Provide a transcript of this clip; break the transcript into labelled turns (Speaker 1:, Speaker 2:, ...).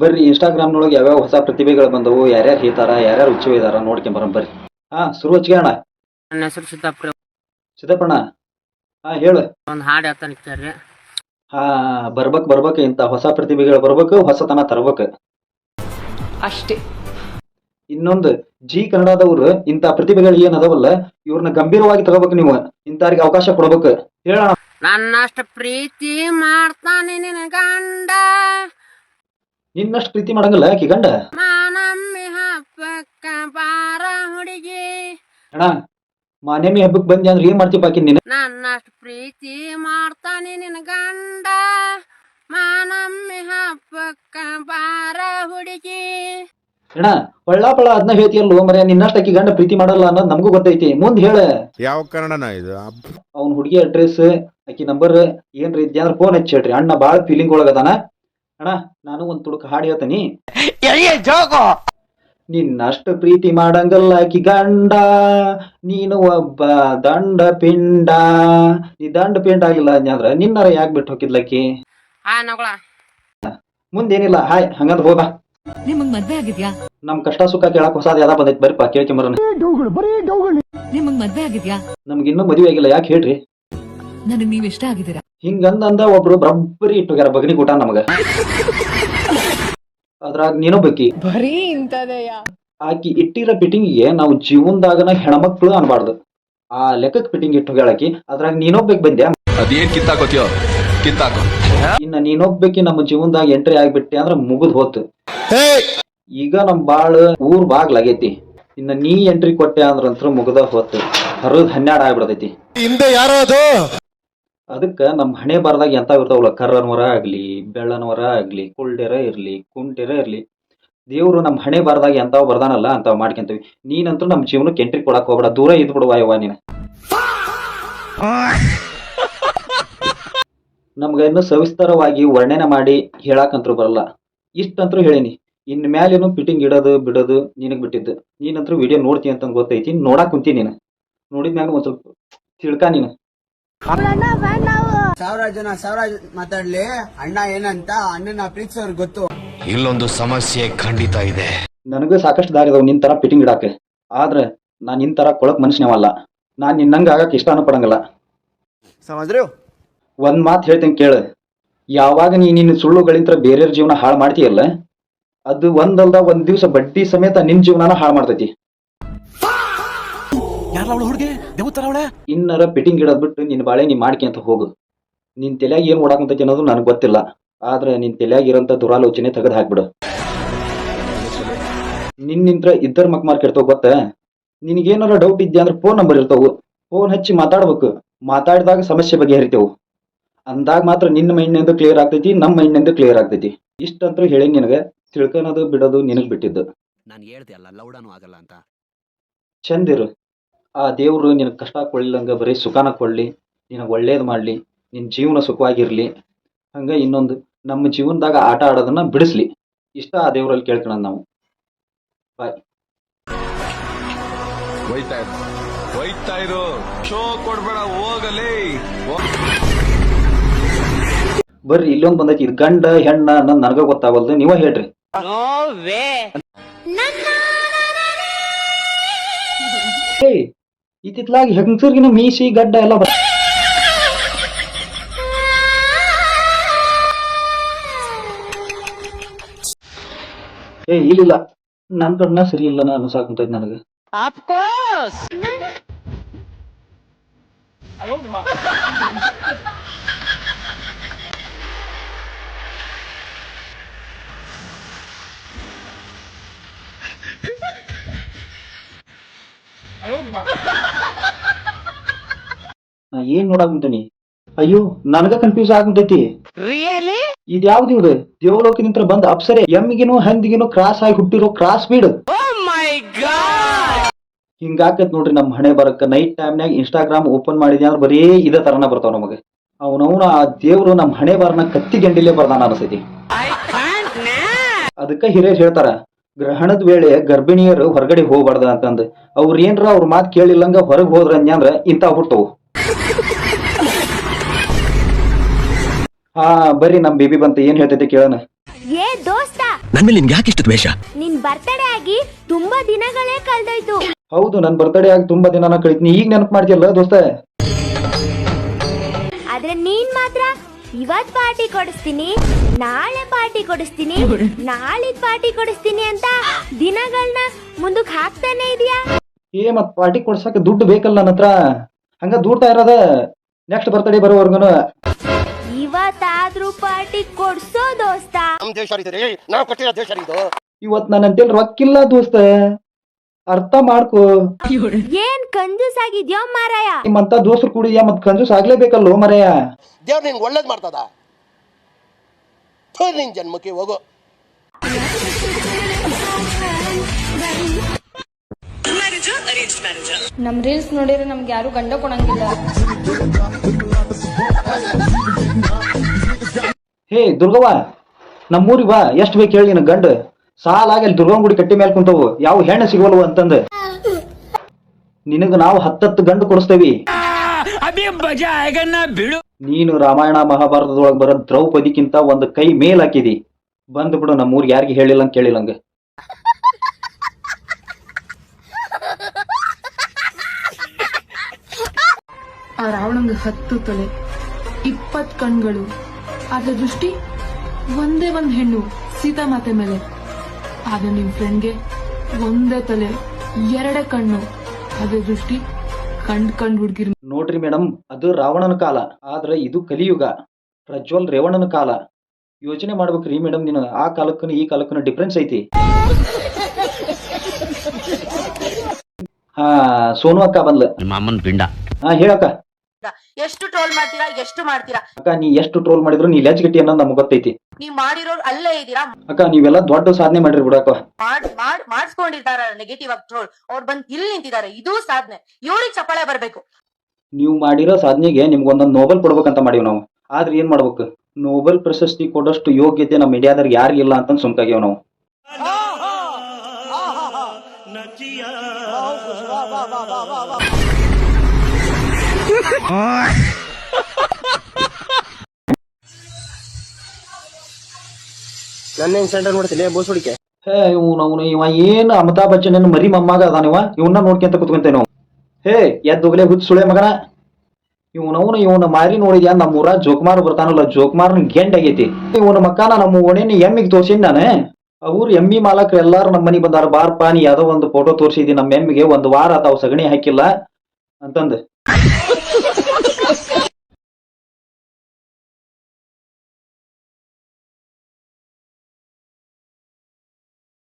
Speaker 1: ಬರ್ರಿ ಇನ್ಸ್ಟಾಗ್ರಾಮ್ನೊಳಗೆ ಯಾವ್ಯಾವ ಹೊಸ ಪ್ರತಿಭೆಗಳು ಬಂದವು, ಯಾರ್ಯಾರು ಹೇಳ್ತಾರ, ಯಾರ್ಯಾರು ಹುಚ್ಚು ಇದಾರ ನೋಡ್ಕೊಂಬರ ಬರ್ರಿ. ಶುರು ಹಚ್ಚಿಗೆ ಅಣ್ಣ.
Speaker 2: ನನ್ನ ಹೆಸರು ಸಿದ್ದಾಪುರ.
Speaker 1: ಸಿದ್ದಪ್ಪಣ್ಣ, ಹೇಳು.
Speaker 2: ಒಂದು ಹಾಡು ಹೇಳ್ತಾನೆ ಕೇಳ್ರಿ.
Speaker 1: ಬರ್ಬೇಕು ಇಂಥ ಹೊಸ ಪ್ರತಿಭೆಗಳು ಬರ್ಬೇಕು, ಹೊಸತನ ತರ್ಬೇಕು
Speaker 3: ಅಷ್ಟೇ.
Speaker 1: ಇನ್ನೊಂದು ಜಿ ಕನ್ನಡದವ್ರು ಇಂಥ ಪ್ರತಿಭೆಗಳು ಏನ್ ಅದಾವಲ್ಲ ಇವ್ರನ್ನ ಗಂಭೀರವಾಗಿ ತಗೋಬೇಕು. ನೀವು ಇಂಥವ್ರಿಗೆ ಅವಕಾಶ ಕೊಡ್ಬೇಕು. ಹೇಳೋಣ.
Speaker 2: ನನ್ನಷ್ಟು ಪ್ರೀತಿ ಮಾಡ್ತಾನೆ ನಿನ್ನ ಗಂಡ,
Speaker 1: ನಿನ್ನಷ್ಟು ಪ್ರೀತಿ ಮಾಡಂಗಿಲ್ಲ ಆಕಿ ಗಂಡ.
Speaker 2: ಮಾನಮ್ಮಿ ಹಬ್ಬಕ್ಕ ಬಾರ ಹುಡುಗಿ.
Speaker 1: ಅಣ್ಣ, ಮಾನೇಮಿ ಹಬ್ಬಕ್ಕೆ ಬಂದಿ ಅಂದ್ರೆ ಏನ್ ಮಾಡ್ತೀವಿ ಬಾಕಿ ನೀನು?
Speaker 2: ನನ್ನಷ್ಟು ಪ್ರೀತಿ ಮಾಡ್ತಾನೆ ನಿನ್ನ ಗಂಡ, ಮಾನಮ್ಮಿ ಹಬ್ಬಕ್ಕ ಬಾರ ಹುಡುಗಿ.
Speaker 1: ಅಣ್ಣ, ಪಳ್ಳ ಅದನ್ನ ಹೇಳ್ತಿಯಲ್ಲ ಮರ, ನಿನ್ನಷ್ಟು ಆಕಿ ಗಂಡ ಪ್ರೀತಿ ಮಾಡಲ್ಲ ಅನ್ನೋದು ನಮಗೂ ಗೊತ್ತೈತಿ. ಮುಂದ್ ಹೇಳ.
Speaker 4: ಯಾವ ಕನ್ನಡನ ಇದು?
Speaker 1: ಅವ್ನ ಹುಡುಗಿ ಅಡ್ರೆಸ್ ಆಕಿ ನಂಬರ್ ಏನ್ರಿ ಇದ್ಯಾ ಅಂದ್ರೆ ಫೋನ್ ಹಚ್ಚಿ ಹೇಳ್ರಿ. ಅಣ್ಣ ಬಾಳ ಫೀಲಿಂಗ್ ಒಳಗದಾನ. ಅಣ್ಣ, ನಾನು ಒಂದ್ ತುಡುಕ ಹಾಡು ಹೇಳ್ತೀನಿ. ನಿನ್ನಷ್ಟು ಪ್ರೀತಿ ಮಾಡಂಗಲ್ಲ ಆಕಿ ಗಂಡ, ನೀನು ಒಬ್ಬ ದಂಡ ಪಿಂಡ. ನೀ ದಂಡ ಪಿಂಡ ಆಗಿಲ್ಲ ಅಂದ್ರ ನಿನ್ನರ ಯಾಕೆ ಬಿಟ್ಟು ಹೋಗಿದ್ಲಕ್ಕಿ? ಮುಂದೇನಿಲ್ಲ, ಹಾಯ್ ಹಂಗಂದ್ ಹೋಗ.
Speaker 3: ನಿಮಗ್ ಮದ್ವೆ ಆಗಿದ್ಯಾ?
Speaker 1: ನಮ್ ಕಷ್ಟ ಸುಖ ಕೇಳಕ್ ಹೊಸಾದ್ ಯಾವ್ದ ಬಂದೈತಿ ಬರೀಪಾ ಕೇಳ್ಕೊಂಬರೋಣ.
Speaker 3: ನಿಮಗ್ ಮದ್ವೆ ಆಗಿದ್ಯಾ?
Speaker 1: ನಮ್ಗೆ ಇನ್ನೂ ಮದುವೆ ಆಗಿಲ್ಲ, ಯಾಕೆ ಹೇಳ್ರಿ?
Speaker 3: ನನಗ್ ನೀವ್ ಇಷ್ಟ ಆಗಿದ್ದೀರಾ?
Speaker 1: ಹಿಂಗಂದ ಒಬ್ರು ಬರಬ್ಬರಿ ಇಟ್ಟೋಗ್ಯಾರ ಬಗ್ನಿ ಊಟ ನಮಗ. ಅದ್ರಾಗ ನೀನು ಬೇಕಿ
Speaker 5: ಬರೀ ಇಂತದೆಯ.
Speaker 1: ಆಕಿ ಇಟ್ಟಿರೋ ಫಿಟ್ಟಿಂಗಿಗೆ ನಾವು ಜೀವನದಾಗನ ಹೆಣ್ಮಕ್ಳು ಅನ್ಬಾರ್ದು. ಆ ಲೆಕ್ಕಕ್ಕೆ ಫಿಟ್ಟಿಂಗ್ ಇಟ್ಟೋಗ್ಯಾಳಕಿ. ಅದ್ರಾಗ ನೀನೊಬ್ಬೇಕು ಬಂದ್ಯಾ?
Speaker 6: ಅದೇನ್ ಕಿತ್ತಾಕೋತಿಯೋ ಕಿತ್ತಾಕೋ.
Speaker 1: ಇನ್ನ ನೀನೊಬ್ಬೇಕಿ ನಮ್ಮ ಜೀವನದಾಗ ಎಂಟ್ರಿ ಆಗ್ಬಿಟ್ಟೆ ಅಂದ್ರ ಮುಗಿದ್ ಹೋತು. ಈಗ ನಮ್ ಬಾಳ ಊರ್ ಬಾಗ್ಲಾಗೈತಿ. ಇನ್ನ ನೀ ಎಂಟ್ರಿ ಕೊಟ್ಟೆ ಅಂದ್ರಂತ್ರ ಮುಗ್ದ ಹೋತು. ಹರದ್ 12 ಆಗ್ಬಿಡ್ತೈತಿ.
Speaker 4: ಹಿಂದೆ ಯಾರೋ ಅದು.
Speaker 1: ಅದಕ್ಕ ನಮ್ ಹಣೆ ಬಾರದಾಗ ಎಂತ ಇರ್ತಾವಲ್ಲ, ಕರ್ರನವರ ಆಗ್ಲಿ, ಬೆಳ್ಳನವರ ಆಗ್ಲಿ, ಕುಳ್ಳೆರ ಇರ್ಲಿ, ಕುಂಟೆರ ಇರ್ಲಿ, ದೇವ್ರು ನಮ್ ಹಣೆ ಬಾರದಾಗ ಎಂತಾವ್ ಬರ್ದಾನಲ್ಲ ಅಂತಾವ್ ಮಾಡ್ಕೊಂತೀವಿ. ನೀನಂತೂ ನಮ್ ಜೀವನಕ್ಕೆ ಎಂಟ್ರಿ ಕೊಡಕ್ ಹೋಗ್ಬೇಡ, ದೂರ ಇದ್ ಬಿಡುವ ಯವ್ವ ನೀನ. ನಮ್ಗ ಇನ್ನು ಸವಿಸ್ತಾರವಾಗಿ ವರ್ಣನೆ ಮಾಡಿ ಹೇಳಾಕಂತ್ರು ಬರಲ್ಲ. ಇಷ್ಟಂತ್ರು ಹೇಳಿನಿ. ಇನ್ ಮ್ಯಾಲೇನು ಫಿಟ್ಟಿಂಗ್ ಇಡೋದು ಬಿಡೋದು ನಿನಗ್ ಬಿಟ್ಟಿದ್ದು. ನೀನಂತೂ ವಿಡಿಯೋ ನೋಡ್ತಿ ಅಂತ ಗೊತ್ತೈತಿ. ನೋಡಾಕ್ ಕುಂತಿ ನೀನು. ನೋಡಿದ್ಮ್ಯಾಗ ಒಂದ್ ಸ್ವಲ್ಪ ತಿಳ್ಕ ನೀನು.
Speaker 7: 1000 ಜನ ಮಾತಾಡ್ಲಿ, ಅಣ್ಣ ಏನಂತ ಅಣ್ಣನ ಪ್ರೀತಿಸೋರ್ ಗೊತ್ತು.
Speaker 6: ಇಲ್ಲೊಂದು ಸಮಸ್ಯೆ ಖಂಡಿತ ಇದೆ.
Speaker 1: ನನಗೂ ಸಾಕಷ್ಟು ದಾರಿ ಅದಾವ ನಿನ್ ತರ ಫಿಟ್ಟಿಂಗ್ ಇಡಾಕ. ಆದ್ರೆ ನಾನ್ ನಿನ್ ತರ ಕೊಳಕ್ ಮನುಷ್ಯನವಲ್ಲ. ನಾನ್ ನಿನ್ನಂಗ ಆಗಕ್ ಇಷ್ಟನೂ ಪಡಂಗಿಲ್ಲ. ಒಂದ್ ಮಾತು ಹೇಳ್ತೇನೆ ಕೇಳ. ಯಾವಾಗ ನಿನ್ನ ಸುಳ್ಳುಗಳಿಂದ ಬೇರೆಯವ್ರ ಜೀವನ ಹಾಳು ಮಾಡ್ತೀಯಲ್ಲ, ಅದು ಒಂದಲ್ದ ಒಂದ್ ದಿವ್ಸ ಬಡ್ಡಿ ಸಮೇತ ನಿನ್ ಜೀವನಾನ ಹಾಳು ಮಾಡ್ತೈತಿ. ಇನ್ನರ ಫಿಟ್ಟಿಂಗ್ ಇಡೋದ್ ಬಿಟ್ಟು ನಿನ್ ಬಾಳೆ ನೀ ಮಾಡ್ಕೊಂತ ಹೋಗು. ನಿನ್ ತಲೆಯಾಗ ಏನ್ ಓಡಾಕಂತೈತಿ ಅನ್ನೋದು ನನಗೆ ಗೊತ್ತಿಲ್ಲ. ಆದ್ರೆ ನಿನ್ ತಲೆಯಾಗ ಇರೋಂತ ದುರಾಲೋಚನೆ ತೆಗೆದು ಹಾಕ್ಬಿಡು. ನಿನ್ನಿಂತ್ರ ಇದ್ದರ್ ಮಕ್ಮಾರ್ ಕೆಡ್ತಾವ ಗೊತ್ತ. ನಿನಗೇನಾರ ಡೌಟ್ ಇದ್ಯಾ ಅಂದ್ರೆ ಫೋನ್ ನಂಬರ್ ಇರ್ತಾವು. ಫೋನ್ ಹಚ್ಚಿ ಮಾತಾಡ್ಬೇಕು. ಮಾತಾಡಿದಾಗ ಸಮಸ್ಯೆ ಬಗೆಹರಿತೇವು. ಅಂದಾಗ ಮಾತ್ರ ನಿನ್ನ ಮೈಂಡ್ ಕ್ಲಿಯರ್ ಆಗ್ತೈತಿ, ನಮ್ಮ ಮೈಂಡ್ ಕ್ಲಿಯರ್ ಆಗ್ತೈತಿ. ಇಷ್ಟಂತೂ ಹೇಳಿ ನಿನಗ. ತಿಳ್ಕೊಳೋದು ಬಿಡೋದು ನಿನಗ್ ಬಿಟ್ಟಿದ್ದು.
Speaker 7: ನಾನು ಹೇಳ್ದೆ ಅಲ್ಲ, ಲೌಡಾನು ಆಗಲ್ಲ ಅಂತ.
Speaker 1: ಚಂದಿರು. ಆ ದೇವ್ರು ನಿನಗೆ ಕಷ್ಟ ಕೊಡ್ಲಿಲ್ಲಂಗ ಬರೀ ಸುಖಾನ ಕೊಡ್ಲಿ, ನಿನಗೆ ಒಳ್ಳೇದು ಮಾಡ್ಲಿ, ನಿನ್ನ ಜೀವನ ಸುಖವಾಗಿರ್ಲಿ. ಹಂಗ ಇನ್ನೊಂದು ನಮ್ಮ ಜೀವನದಾಗ ಆಟ ಆಡೋದನ್ನ ಬಿಡಿಸ್ಲಿ. ಇಷ್ಟ ಆ ದೇವ್ರಲ್ಲಿ ಕೇಳ್ಕೊಳ ನಾವು. ಬಾಯ್.
Speaker 6: ಹೋಯ್ತಾ ಇರು, ಶೋ ಕೊಡ್ಬೇಡ, ಹೋಗಲೇ.
Speaker 1: ಬರ್ರಿ ಇಲ್ಲೊಂದು ಬಂದೈತಿ. ಇದು ಗಂಡ ಹೆಣ್ಣ ಅನ್ನೋದು ನನಗ ಗೊತ್ತಾಗಲ್ದು, ನೀವ ಹೇಳ್ರಿ. ಇತ್ತಿತ್ಲಾಗಿ ಹೆಂಗಸರ್ಗಿನ ಮೀಸಿ ಗಡ್ಡ ಎಲ್ಲ ಇಲ್ಲ, ನನ್ ಕಣ್ಣ ಸರಿ ಇಲ್ಲ ಅನ್ಸಾಕುಂತೈತಿ ನನಗ. ನಾ ಏನ್ ನೋಡಾಕುಂತೀನಿ? ಅಯ್ಯೋ, ನನಗ ಕನ್ಫ್ಯೂಸ್ ಆಗುಂತೈತಿ. ಇದ್ ಯಾವ್ದು? ಇವ್ದು ದೇವಲೋಕದಿಂದ ಬಂದ ಅಪ್ಸರೆ. ಎಮ್ಮಿಗಿನೂ ಹಂದಿಗಿನೂ ಕ್ರಾಸ್ ಆಗಿ ಹುಟ್ಟಿರೋ ಕ್ರಾಸ್ ಬೀಡ್. ಹಿಂಗಾಕತ್ ನೋಡ್ರಿ ನಮ್ ಹಣೆ ಬರಕ್ಕ. ನೈಟ್ ಟೈಮ್ನಾಗ ಇನ್ಸ್ಟಾಗ್ರಾಮ್ ಓಪನ್ ಮಾಡಿದ್ಯಾ ಅಂದ್ರೆ ಬರೀ ಇದೇ ತರನ ಬರ್ತಾವ ನಮಗ. ಅವನವನು ಆ ದೇವ್ರು ನಮ್ ಹಣೆ ಬರನ ಕತ್ತಿ ಗಂಡಿಲೇ ಬರ್ದಾನ ಅನಿಸ್ತೈತಿ. ಅದಕ್ಕ ಹಿರಿಯರು ಹೇಳ್ತಾರ, ಗ್ರಹಣದ ವೇಳೆ ಗರ್ಭಿಣಿಯರು ಹೊರಗಡೆ ಹೋಗ್ಬಾರ್ದ ಅಂತಂದ್. ಅವ್ರ ಏನ್ರ ಅವ್ರ ಮಾತು ಕೇಳಿಲ್ಲಂಗ ಹೊರಗೆ ಹೋದ್ರ ಅಂದ್ರ ಇಂತ ಹುಟ್ಟವು. ಬರ್ರಿ ನಮ್ ಬೇಬಿ ಬಂತ, ಏನ್ ಹೇಳ್ತೈತಿ ಕೇಳೋಣ.
Speaker 8: ಏ ದೋಸ್ತ,
Speaker 5: ನನ್ ಮೇಲೆ ನಿನ್ಗೆ ಯಾಕೆ ಇಷ್ಟು ದ್ವೇಷ?
Speaker 8: ನಿನ್ ಬರ್ತಡೇ ಆಗಿ ತುಂಬಾ ದಿನಗಳೇ ಕಳೆದೋಯ್ತು.
Speaker 1: ಹೌದು, ನನ್ ಬರ್ತಡೇ ಆಗಿ ತುಂಬಾ ದಿನ ಕಳೀತೀನಿ, ಈಗ ನೆನಪು ಮಾಡ್ತೀಯಲ್ಲ ದೋಸ್ತ.
Speaker 8: ಆದ್ರೆ ನೀನ್ ಮಾತ್ರ ಇವತ್ ಪಾರ್ಟಿ ಕೊಡಿಸ್ತೀನಿ, ನಾಳೆ ಪಾರ್ಟಿ ಕೊಡಿಸ್ತೀನಿ, ನಾಳಿದ್ ಪಾರ್ಟಿ ಕೊಡಿಸ್ತೀನಿ ಅಂತ ದಿನಗಳನ್ನ ಮುಂದಕ್ಕೆ ಹಾಕ್ತಾನೆ ಇದೀಯಾ.
Speaker 1: ಮತ್ ಪಾರ್ಟಿ ಕೊಡ್ಸಕ್ಕೆ ದುಡ್ಡು ಬೇಕಲ್ಲ ನನ್ನ ಹತ್ರ, ಹಂಗ ದೂಡ್ತಾ ಇರೋದ ನೆಕ್ಸ್ಟ್ ಬರ್ತಡೇ ಬರೋವರ್ಗುನು.
Speaker 8: ಇವತ್ತಾದ್ರೂ ಪಾರ್ಟಿ ಕೊಡ್ಸೋ ದೋಸ್ತ.
Speaker 1: ಇವತ್ ನನ್ನ ಅಂತೇಳಿ ರೊಕ್ಕಿಲ್ಲ ದೋಸ್ತ, ಅರ್ಥ ಮಾಡ್ಕೋ.
Speaker 8: ಏನ್ ಕಂಜೂಸ್ ಆಗಿದ್ಯೋ ಮಾರಾಯ.
Speaker 1: ನಿಮ್ಮಂತ ದೋಸ್ತರು ಕೂಡಿದ್ಯಾ, ಮತ್ ಕಂಜೂಸ್ ಆಗ್ಲೇಬೇಕಲ್ಲೋ ಮರಯ್ಯ.
Speaker 9: ದೇವ್ರ ನಿನ್ಗೆ ಒಳ್ಳೇದ್ ಮಾಡ್ತದ, ನಿನ್ ಜನ್ಮಕ್ಕೆ ಹೋಗೋ.
Speaker 10: ನಮ್ ರೀಲ್ಸ್ ನೋಡಿದ್ರೆ ನಮ್ಗೆ ಯಾರು ಗಂಡ ಕೊಡಂಗಿಲ್ಲ.
Speaker 1: ಹೇ ದುರ್ಗವ್ವ, ನಮ್ಮೂರಿಗೆ ಬಾ, ಎಷ್ಟು ಬೇಕು ಹೇಳಿ ನಿನ್ ಗಂಡ. ಸಾಲಾಗಿ ಅಲ್ಲಿ ದುರ್ಗವ್ವ ಗುಡಿ ಕಟ್ಟಿ ಮೇಲೆ ಕುಂತವು, ಯಾವ ಹೆಣ್ಣು ಸಿಗವಲ್ವ ಅಂತಂದ. ನಿನಗ ನಾವು 10 ಗಂಡು ಕೊಡಿಸ್ತೇವಿ. ನೀನು ರಾಮಾಯಣ ಮಹಾಭಾರತದೊಳಗೆ ಬರೋ ದ್ರೌಪದಿಕ್ಕಿಂತ ಒಂದು ಕೈ ಮೇಲ್ ಹಾಕಿದಿ. ಬಂದ್ ಬಿಡು, ನಮ್ಮೂರಿಗೆ ಯಾರಿಗೆ ಹೇಳಿಲ್ಲ ಅಂತ ಕೇಳಿಲ್ಲಂಗ.
Speaker 10: ಆ ರಾವಣಂಗೆ 10 ತಲೆ 20 ಕಣ್ಗಳು, ಆದ್ರೆ ದೃಷ್ಟಿ ಒಂದೇ ಒಂದ್ ಹೆಣ್ಣು ಸೀತಾಮಾತೆ ಮೇಲೆ. ಆದ್ರೆ ನಿಮ್ ಫ್ರೆಂಡ್ಗೆ ಒಂದೇ ತಲೆ 2 ಕಣ್ಣು, ಅದೇ ದೃಷ್ಟಿ ಕಂಡ್ ಹುಡ್ಗಿರ್.
Speaker 1: ನೋಡ್ರಿ ಮೇಡಮ್, ಅದು ರಾವಣನ ಕಾಲ, ಆದ್ರೆ ಇದು ಕಲಿಯುಗ, ಪ್ರಜ್ವಲ್ ರೇವಣ್ಣನ ಕಾಲ. ಯೋಚನೆ ಮಾಡ್ಬೇಕ್ರಿ ಮೇಡಮ್, ನೀನು ಆ ಕಾಲಕ್ಕೂ ಈ ಕಾಲಕ್ಕೂ ಡಿಫ್ರೆನ್ಸ್ ಐತಿ. ಹಾ, ಸೋನು ಅಕ್ಕ ಬಂದ್ಲ.
Speaker 5: ಮಾಮನ್ ಪಿಂಡ.
Speaker 1: ಹಾ ಹೇಳಕ್ಕ.
Speaker 2: ಎಷ್ಟು ಟ್ರೋಲ್ ಮಾಡ್ತೀರಾ, ಎಷ್ಟು ಮಾಡ್ತೀರಾ
Speaker 1: ಅಕ್ಕ, ನೀ ಎಷ್ಟು ಟ್ರೋಲ್ ಮಾಡಿದ್ರು ನೀ ಲೆಜ್ಗಟ್ಟಿ ಅನ್ನೋದು ನಮ್ಗೆ ಗೊತ್ತೈತಿ.
Speaker 2: ನೀವ್ ಮಾಡಿರೋರು ಅಲ್ಲೇ ಇದೀರಾ.
Speaker 1: ಅಕ್ಕ, ನೀವೆಲ್ಲ ದೊಡ್ಡ ಸಾಧನೆ ಮಾಡಿರಿ ಬಿಡಕ್ಕ.
Speaker 2: ಮಾಡಿಸ್ಕೊಂಡಿರ್ತಾರ ನೆಗೆಟಿವ್ ಆಗಿ ಟ್ರೋಲ್, ಅವ್ರು ಬಂದ್ ಇಲ್ಲಿ ನಿಂತಿದ್ದಾರೆ, ಇದು ಸಾಧನೆ. ಇವ್ರಿಗೆ ಚಪ್ಪಾಳೆ ಬರ್ಬೇಕು.
Speaker 1: ನೀವು ಮಾಡಿರೋ ಸಾಧನೆಗೆ ನಿಮ್ಗೊಂದೊಂದು ನೋಬೆಲ್ ಕೊಡ್ಬೇಕಂತ ಮಾಡೀವಿ ನಾವು. ಆದ್ರೆ ಏನ್ ಮಾಡ್ಬೇಕು, ನೋಬೆಲ್ ಪ್ರಶಸ್ತಿ ಕೊಡೋಷ್ಟು ಯೋಗ್ಯತೆ ನಮ್ಮ ಇಂಡಿಯಾದಾಗ ಯಾರಿಗಿಲ್ಲ ಅಂತ ಸುಮ್ಕಾಗ್ಯಾವ ನಾವು.
Speaker 9: ನನ್ನ ಸೆಂಟರ್ ನೋಡ್ತೀನಿ ಬೋಸ್ ಹುಡಿಕೆ.
Speaker 1: ಹೇ ಇವ ಏನ್ ಅಮಿತಾಬ್ ಬಚ್ಚನ್ ಮರಿ ಮೊಮ್ಮಗ ಅದಾನಿವ, ಇವನ್ನ ನೋಡ್ಕೊಂತ ಕುತ್ಕೊಂತೇವೆ ನಾವು. ಹೇ ಎದ್ದೋಗ್ಲೇ ಹುಚ್ಚ ಸುಳೆ ಮಗನ, ಇವನ ಮಾರಿ ನೋಡಿದ್ಯಾ, ನಮ್ಮ ಊರ ಜೋಕುಮಾರ್ ಬರ್ತಾನಲ್ಲ, ಜೋಕುಮಾರ್ನ ಗೆಂಡ್ ಆಗೈತಿ. ಇವನ ಮಕ್ಕನ ನಮ್ಮ ಓಣೆನಿ ಎಮ್ಮಿಗೆ ತೋರ್ಸಿನ್ ನಾನು. ಅವ್ರು ಎಮ್ಮಿ ಮಾಲಕ್ರು ಎಲ್ಲಾರು ನಮ್ಮ ಮನೆಗೆ ಬಂದಾರ. ಬಾರ್ಪಾ, ನೀ ಯಾವ್ದೋ ಒಂದು ಫೋಟೋ ತೋರಿಸಿದಿ ನಮ್ಮ ಎಮ್ಮಿಗೆ, 1 ವಾರ ಆತಾವ್ ಸಗಣಿ ಹಾಕಿಲ್ಲ ಅಂತಂದು.